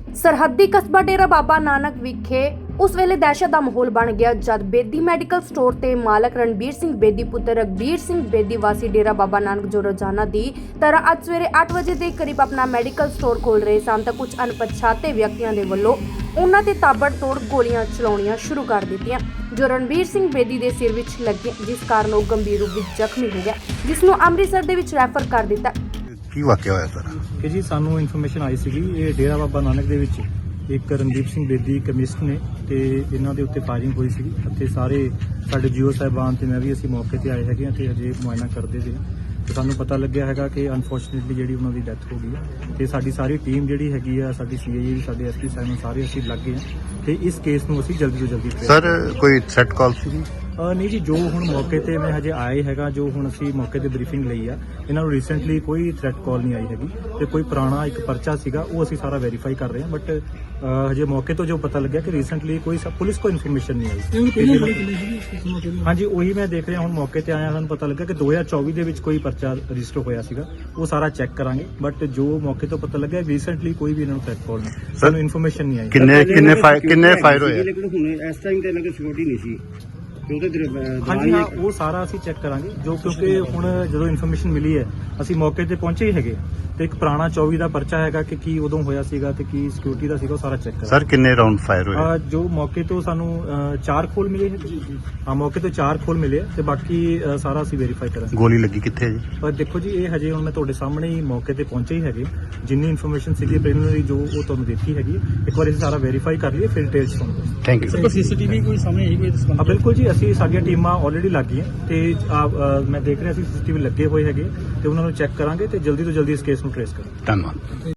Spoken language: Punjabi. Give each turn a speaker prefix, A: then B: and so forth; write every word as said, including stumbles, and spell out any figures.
A: ਸਰਹੱਦੀ ਕਸਬਾ ਡੇਰਾ ਬਾਬਾ ਨਾਨਕ ਵਿਖੇ ਉਸ ਵੇਲੇ ਦਹਿਸ਼ਤ ਦਾ ਮਾਹੌਲ ਬਣ ਗਿਆ ਜਦ ਬੇਦੀ ਮੈਡੀਕਲ ਸਟੋਰ ਤੇ ਮਾਲਕ ਰਣਬੀਰ ਸਿੰਘ ਬੇਦੀ ਪੁੱਤਰ ਰਘਬੀਰ ਸਿੰਘ ਬੇਦੀ ਵਾਸੀ ਡੇਰਾ ਬਾਬਾ ਨਾਨਕ ਜੋ ਰੋਜ਼ਾਨਾ ਦੀ ਤਰ੍ਹਾਂ ਅੱਜ ਸਵੇਰੇ ਅੱਠ ਵਜੇ ਦੇ ਕਰੀਬ ਆਪਣਾ ਮੈਡੀਕਲ ਸਟੋਰ ਖੋਲ ਰਹੇ ਸਨ ਤਾਂ ਕੁਝ ਅਣਪਛਾਤੇ ਵਿਅਕਤੀਆਂ ਦੇ ਵੱਲੋਂ ਉਹਨਾਂ ਤੇ ਤਾਬੜਤੋੜ ਗੋਲੀਆਂ ਚਲਾਉਣੀਆਂ ਸ਼ੁਰੂ ਕਰ ਦਿੱਤੀਆਂ ਜੋ ਰਣਬੀਰ ਸਿੰਘ ਬੇਦੀ ਦੇ ਸਿਰ ਵਿੱਚ ਲੱਗੀ ਜਿਸ ਕਾਰਨ ਉਹ ਗੰਭੀਰ ਰੂਪ ਵਿੱਚ ਜ਼ਖਮੀ ਹੋ ਗਿਆ ਜਿਸ ਨੂੰ ਅੰਮ੍ਰਿਤਸਰ ਦੇ ਵਿੱਚ ਰੈਫਰ ਕਰ ਦਿੱਤਾ।
B: ਕੀ ਵਾਕਿਆ ਹੋਇਆ ਸਰ?
C: ਕਿ ਜੀ ਸਾਨੂੰ ਇਨਫੋਰਮੇਸ਼ਨ ਆਈ ਸੀਗੀ ਇਹ ਡੇਰਾ ਬਾਬਾ ਨਾਨਕ ਦੇ ਵਿੱਚ ਇੱਕ ਰਣਦੀਪ ਸਿੰਘ ਬੇਦੀ ਕੈਮਿਸਟ ਨੇ ਤੇ ਇਹਨਾਂ ਦੇ ਉੱਤੇ ਫਾਇਰਿੰਗ ਹੋਈ ਸੀਗੀ ਅਤੇ ਸਾਰੇ ਸਾਡੇ ਜੀਓ ਸਾਹਿਬਾਨ ਤੇ ਮੈਂ ਵੀ ਅਸੀਂ ਮੌਕੇ ਤੇ ਆਏ ਹੈਗੇ ਹਾਂ ਤੇ ਹਜੇ ਮੁਆਇਨਾ ਕਰਦੇ ਸੀ ਤੇ ਸਾਨੂੰ ਪਤਾ ਲੱਗਿਆ ਹੈਗਾ ਕਿ ਅਨਫੋਰਚੂਨੇਟਲੀ ਜਿਹੜੀ ਉਹਨਾਂ ਦੀ ਡੈਥ ਹੋ ਗਈ ਹੈ ਤੇ ਸਾਡੀ ਸਾਰੀ ਟੀਮ ਜਿਹੜੀ ਹੈਗੀ ਆ ਸਾਡੀ ਸੀਆਈਏ ਸਾਡੇ ਐਸਪੀ ਸਾਹਿਬ ਸਾਰੇ ਅਸੀਂ ਲੱਗ ਗਏ ਹਾਂ ਤੇ ਇਸ ਕੇਸ ਨੂੰ ਅਸੀਂ ਜਲਦੀ ਤੋਂ ਜਲਦੀ
B: ਸਰ ਕੋਈ ਥ੍ਰੈਟ ਕਾਲ ਸੀ?
C: ਅ ਨਹੀਂ ਜੀ ਜੋ ਹੁਣ ਮੌਕੇ ਤੇ ਮੈਂ ਹਜੇ ਆਏ ਹੈਗਾ ਜੋ ਹੁਣ ਅਸੀਂ ਮੌਕੇ ਤੇ ਬਰੀਫਿੰਗ ਲਈ ਆ ਇਹਨਾਂ ਨੂੰ ਰੀਸੈਂਟਲੀ ਕੋਈ ਥ੍ਰੈਟ ਕਾਲ ਨਹੀਂ ਆਈ ਹੈਗੀ ਤੇ ਕੋਈ ਪੁਰਾਣਾ ਇੱਕ ਪਰਚਾ ਸੀਗਾ ਉਹ ਅਸੀਂ ਸਾਰਾ ਵੈਰੀਫਾਈ ਕਰ ਰਹੇ ਹਾਂ ਬਟ ਹਜੇ ਮੌਕੇ ਤੋਂ ਜੋ ਪਤਾ ਲੱਗਿਆ ਕਿ ਰੀਸੈਂਟਲੀ ਕੋਈ ਪੁਲਿਸ ਕੋਈ ਇਨਫੋਰਮੇਸ਼ਨ ਨਹੀਂ ਆਈ। ਹਾਂਜੀ ਉਹੀ ਮੈਂ ਦੇਖ ਰਿਹਾ ਹੁਣ ਮੌਕੇ ਤੇ ਆਇਆ ਸਾਨੂੰ ਪਤਾ ਲੱਗਾ ਕਿ ਦੋ ਹਜ਼ਾਰ ਚੌਵੀ ਦੇ ਵਿੱਚ ਕੋਈ ਪਰਚਾ ਰਜਿਸਟਰ ਹੋਇਆ ਸੀਗਾ ਉਹ ਸਾਰਾ ਚੈੱਕ ਕਰਾਂਗੇ ਬਟ ਜੋ ਮੌਕੇ ਤੋਂ ਪਤਾ ਲੱਗਾ ਰੀਸੈਂਟਲੀ ਕੋਈ ਵੀ ਇਹਨਾਂ ਨੂੰ ਥ੍ਰੈਟ ਕਾਲ ਨਹੀਂ ਸਾਨੂੰ ਇਨਫੋਰਮੇਸ਼ਨ ਨਹੀਂ ਆਈ।
B: ਕਿੰਨੇ ਕਿੰਨੇ ਫਾਇਰ ਕਿੰਨੇ ਫਾਇਰ ਹੋਏ?
D: ਲੇਕਿਨ ਹੁਣ ਇਸ ਟਾਈਮ ਤੇ ਇਹਨਾਂ ਦੀ ਸਿਕਿਉਰਿਟੀ ਨਹੀਂ ਸੀ।
C: ਹਾਂਜੀ ਹਾਂ ਉਹ ਸਾਰਾ ਅਸੀਂ ਚੈੱਕ ਕਰਾਂਗੇ ਜੋ ਕਿਉਂਕਿ ਹੁਣ ਜਦੋਂ ਇਨਫੋਰਮੇਸ਼ਨ ਮਿਲੀ ਹੈ ਅਸੀਂ ਮੌਕੇ ਤੇ ਪਹੁੰਚੇ ਹੀ ਹੈਗੇ ਤੇ ਇੱਕ ਪੁਰਾਣਾ ਚੌਵੀ ਦਾ ਪਰਚਾ ਹੈਗਾ ਕਿ ਕੀ ਉਦੋਂ ਹੋਇਆ ਸੀਗਾ ਤੇ ਕੀ ਸਿਕਿਉਰਿਟੀ ਦਾ ਸੀਗਾ ਉਹ ਸਾਰਾ ਚੈੱਕ ਕਰਾਂਗੇ।
B: ਸਰ ਕਿੰਨੇ ਰਾਉਂਡ ਫਾਇਰ ਹੋਏ?
C: ਅਹ ਜੋ ਮੌਕੇ ਤੋਂ ਸਾਨੂੰ ਅਹ ਚਾਰ ਖੋਲ ਮਿਲੇ ਹੈ ਹਾਂ ਮੌਕੇ ਤੋਂ ਚਾਰ ਖੋਲ ਮਿਲੇ ਤੇ ਬਾਕੀ ਅਹ ਸਾਰਾ ਅਸੀਂ ਵੈਰੀਫਾਈ ਕਰਾਂਗੇ।
B: ਗੋਲੀ ਲੱਗੀ ਕਿੱਥੇ ਹੈ ਜੀ?
C: ਪਰ ਦੇਖੋ ਜੀ ਇਹ ਹਜੇ ਹੁਣ ਮੈਂ ਤੁਹਾਡੇ ਸਾਹਮਣੇ ਹੀ ਮੌਕੇ ਤੇ ਪਹੁੰਚੇ ਹੀ ਹੈਗੇ ਜਿੰਨੀ ਇਨਫੋਰਮੇਸ਼ਨ ਸੀਗੀ ਪ੍ਰੀਲਿਮਿਨਰੀ ਜੋ ਉਹ ਤੁਹਾਨੂੰ ਦਿੱਤੀ ਹੈਗੀ ਇੱਕ ਵਾਰੀ ਅਸੀਂ ਸਾਰਾ ਵੈਰੀਫਾਈ ਕਰ ਲਈਏ ਫਿਰ ਡਿਟੇਲਸ ਤੁਹਾਨੂੰ ਦੱਸਾਂਗੇ।
B: Thank you.
C: ਕੋਈ ਸੀਸੀਟੀਵੀ ਕੋਈ ਸਾਹਮਣੇ ਆਈ ਕੋਈ ਹਾਂ ਬਿਲਕੁਲ ਜੀ ਅਸੀਂ ਸਾਡੀਆਂ ਟੀਮਾਂ ਆਲਰੇਡੀ ਲੱਗ ਗਈਆਂ ਤੇ ਮੈਂ ਦੇਖ ਰਿਹਾ ਸੀ ਸੀਸੀਟੀਵੀ ਲੱਗੇ ਹੋਏ ਹੈਗੇ ਤੇ ਉਹਨਾਂ ਨੂੰ ਚੈੱਕ ਕਰਾਂਗੇ ਤੇ ਜਲਦੀ ਤੋਂ ਜਲਦੀ ਇਸ ਕੇਸ ਨੂੰ ਟ੍ਰੇਸ ਕਰਾਂਗੇ।
B: ਧੰਨਵਾਦ।